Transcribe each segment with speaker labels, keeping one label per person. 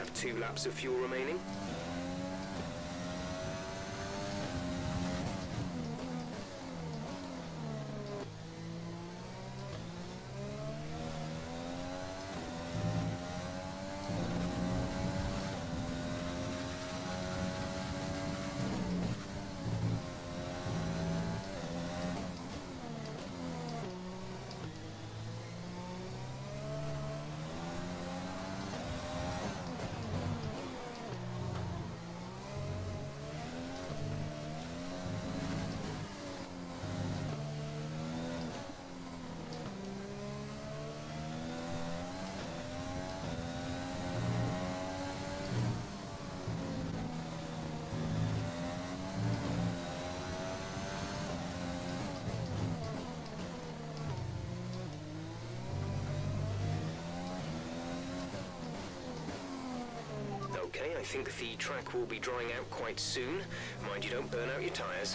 Speaker 1: have 2 laps of fuel remaining. Okay, I think the track will be drying out quite soon. Mind you don't burn out your tyres.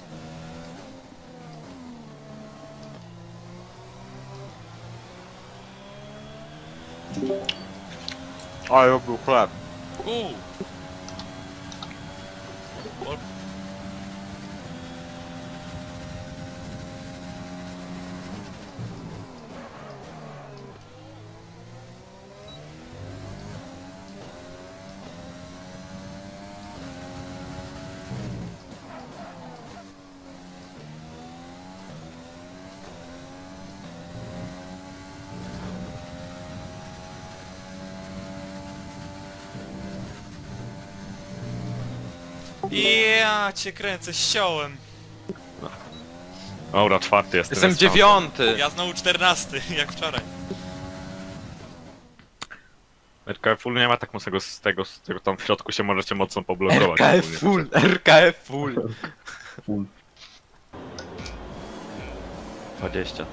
Speaker 2: Ale był chleb.
Speaker 3: Ja cię kręcę, ściąłem.
Speaker 2: Dobra, 4 jestem.
Speaker 4: Jestem 9!
Speaker 3: Ja znowu 14, jak wczoraj.
Speaker 2: RKF full nie ma tak mocnego z tego tam w środku się możecie mocno poblokować.
Speaker 4: RKF full, RKF full.
Speaker 5: Full.
Speaker 4: 20.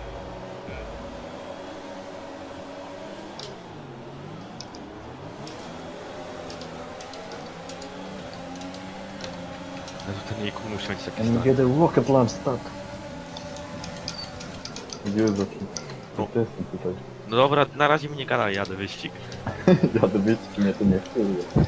Speaker 2: Ten ikon musi mieć taki
Speaker 5: And you
Speaker 2: stan.
Speaker 5: get a rocket launch stuck. Jezu,
Speaker 2: No.
Speaker 5: to jestem tutaj.
Speaker 2: No dobra, na razie mnie gadaj, jadę wyścig.
Speaker 5: Jadę być, czy mnie to nie chce.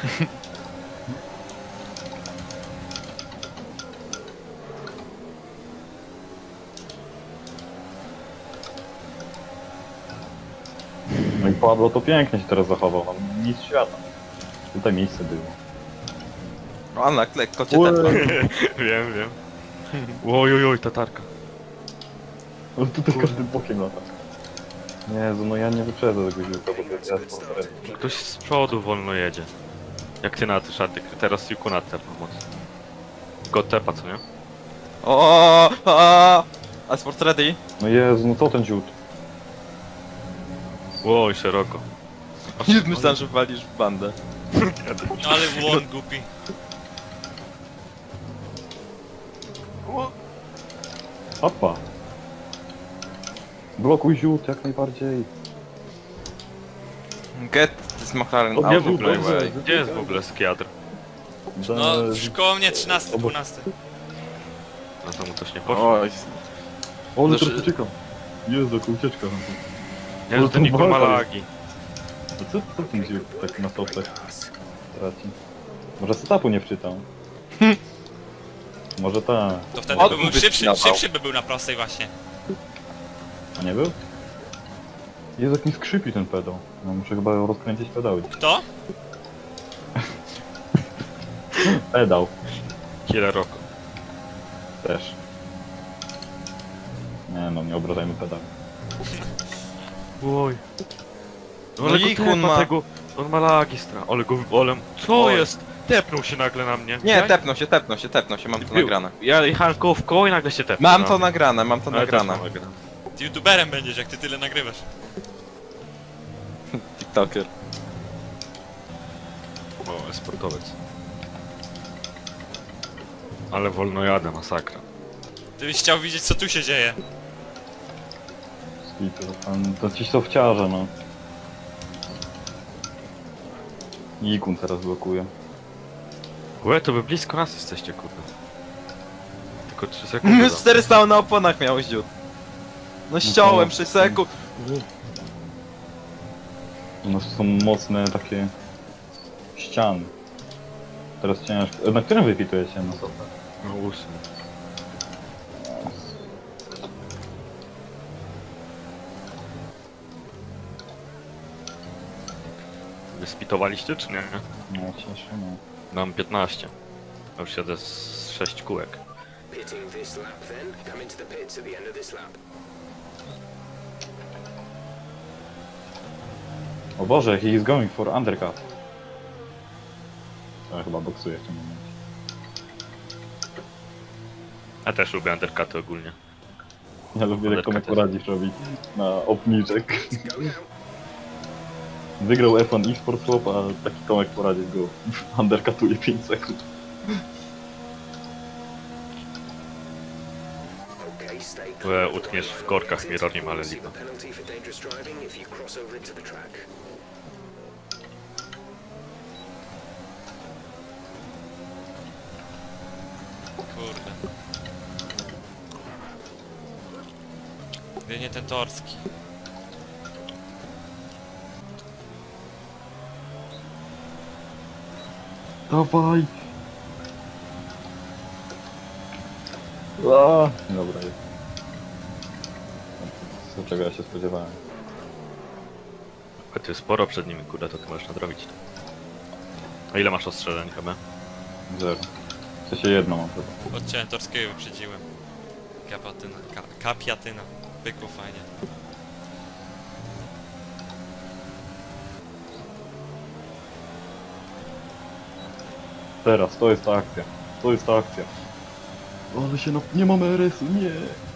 Speaker 5: No i Pablo to pięknie się teraz zachował, no nic świata. Tutaj miejsce było.
Speaker 4: O, na lekko cię
Speaker 5: Ue.
Speaker 4: tepnął.
Speaker 2: Wiem, wiem. Oj, tatarka.
Speaker 5: No tutaj każdym bokiem lata. Jezu, no ja nie wyprzedzę tego ziółka, bo to jest jasno.
Speaker 2: Ktoś z przodu wolno jedzie. Jak ty na to szarty, teraz Juku na tepa mocno. Go tepa, co nie?
Speaker 4: A sport ready?
Speaker 5: No Jezu, no co ten ziód?
Speaker 2: Oj, szeroko.
Speaker 4: Już myślałem, że walisz w bandę.
Speaker 3: No ale błąd głupi.
Speaker 5: Opa! Blokuj ziód jak najbardziej.
Speaker 4: Get this McLaren
Speaker 5: O,
Speaker 4: out
Speaker 5: Jezu,
Speaker 4: of my
Speaker 5: dobrze.
Speaker 4: way.
Speaker 2: Gdzie jest w ogóle skiadr?
Speaker 3: No, koło mnie 13, 12.
Speaker 2: No to mu coś nie poszło.
Speaker 4: Oj,
Speaker 5: O, ale
Speaker 4: Znaczy-
Speaker 5: teraz uciekam. Jezu, jaka ucieczka.
Speaker 2: Jezu, ten ikon ma lagi.
Speaker 5: A co ten ziód tak na stopach traci? Może setupu nie wczytał? Może tak.
Speaker 3: To wtedy
Speaker 4: On
Speaker 3: by był
Speaker 4: by
Speaker 3: szybszy,
Speaker 4: spinawał.
Speaker 3: szybszy by był na prostej właśnie.
Speaker 5: A nie był? Jezu, jak mi skrzypi ten pedał. No muszę chyba rozkręcić pedały.
Speaker 3: Kto?
Speaker 5: Pedał
Speaker 2: Killer Roko.
Speaker 5: też. Nie no, nie obrażajmy pedału.
Speaker 2: Oj. No
Speaker 4: No
Speaker 2: ale
Speaker 4: i
Speaker 2: go
Speaker 4: Kun
Speaker 2: tepa
Speaker 4: ma-
Speaker 2: tego. On ma lagi stra. Ale go wolem. Co
Speaker 4: Oj.
Speaker 2: jest? Tepnął się nagle na mnie.
Speaker 4: nie,
Speaker 2: Ja-
Speaker 4: tepnął się, mam to
Speaker 2: Był.
Speaker 4: nagrane.
Speaker 2: Ja jechałem koło w koło i nagle się tepnął.
Speaker 4: Mam
Speaker 2: na
Speaker 4: to
Speaker 2: mnie.
Speaker 4: nagrane, mam to
Speaker 2: Ale też
Speaker 4: nagrane.
Speaker 2: mam nagrane.
Speaker 3: Ty youtuberem będziesz, jak ty tyle nagrywasz.
Speaker 4: TikToker.
Speaker 2: O, sportowiec. Ale wolno jadę, masakra.
Speaker 3: Ty byś chciał widzieć, co tu się dzieje.
Speaker 5: Skitu, to ci sofciarze, no. Ikun teraz blokuje.
Speaker 2: Łe, to wy blisko nas jesteście, kurde. Tylko 3 sekundy.
Speaker 4: 400 na oponach miałeś dziut. No ściąłem 6 sekund.
Speaker 5: U nas są mocne takie ścian. Teraz ciężko. Na którym wypituje się? No to
Speaker 2: No 8. Wyspitowaliście czy nie?
Speaker 5: no cieszę, no.
Speaker 2: Mam 15. Ja już siedzę z 6 kółek.
Speaker 1: Pitting this lap then. Come into the pits at the end of this lap.
Speaker 5: O Boże, he is going for undercut. Ja chyba boksuję w tym momencie.
Speaker 2: Ja też lubię undercuty ogólnie.
Speaker 5: Ja lubię jak Tomek
Speaker 2: Undercut
Speaker 5: poradzisz robić na obniżek.
Speaker 1: Go now.
Speaker 5: Wygrał F1 eSport Swap, a taki Tomek poradził go undercutuje 5 sekund.
Speaker 1: Okay, stay
Speaker 2: Utkniesz w korkach Mironim, ale
Speaker 1: Receive
Speaker 2: lipa.
Speaker 1: a penalty for dangerous driving if you cross over into the track.
Speaker 3: Kurde. Gdy nie ten torski.
Speaker 5: Dawaj! A, dobra jest. Co czego ja się spodziewałem?
Speaker 2: A ty sporo przed nimi, kurde, to ty możesz nadrobić. A ile masz ostrzeżeń chyba?
Speaker 5: Zero. W sensie jedno mam chyba.
Speaker 3: Odciąłem torskiego, wyprzedziłem. Kapiatyna. Kapiatyna. Pykło fajnie.
Speaker 5: Teraz, to jest ta akcja. To jest ta akcja. Ale się nie mamy RS-u, nie!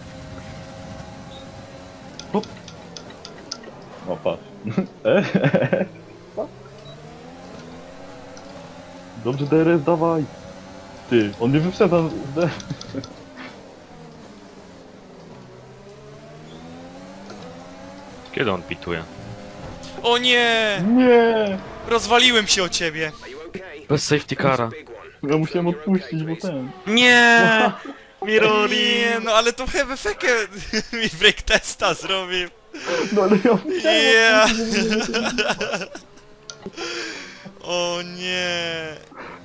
Speaker 5: Hop! O, patrz. Dobrze, DRS, dawaj! Ty, on nie wyprzedza
Speaker 2: Kiedy on pituje?
Speaker 3: O nie!
Speaker 5: Nie!
Speaker 3: Rozwaliłem się o ciebie!
Speaker 1: Are you okay?
Speaker 2: Bez safety cara.
Speaker 1: Big one.
Speaker 5: Ja musiałem odpuścić, bo ten...
Speaker 2: Nie! Mirori!
Speaker 3: Nie, no ale to chyba fekę mi break testa zrobił.
Speaker 5: No ale ja musiałem
Speaker 3: Yeah.
Speaker 5: odpuścić, żeby nie-
Speaker 3: O nie!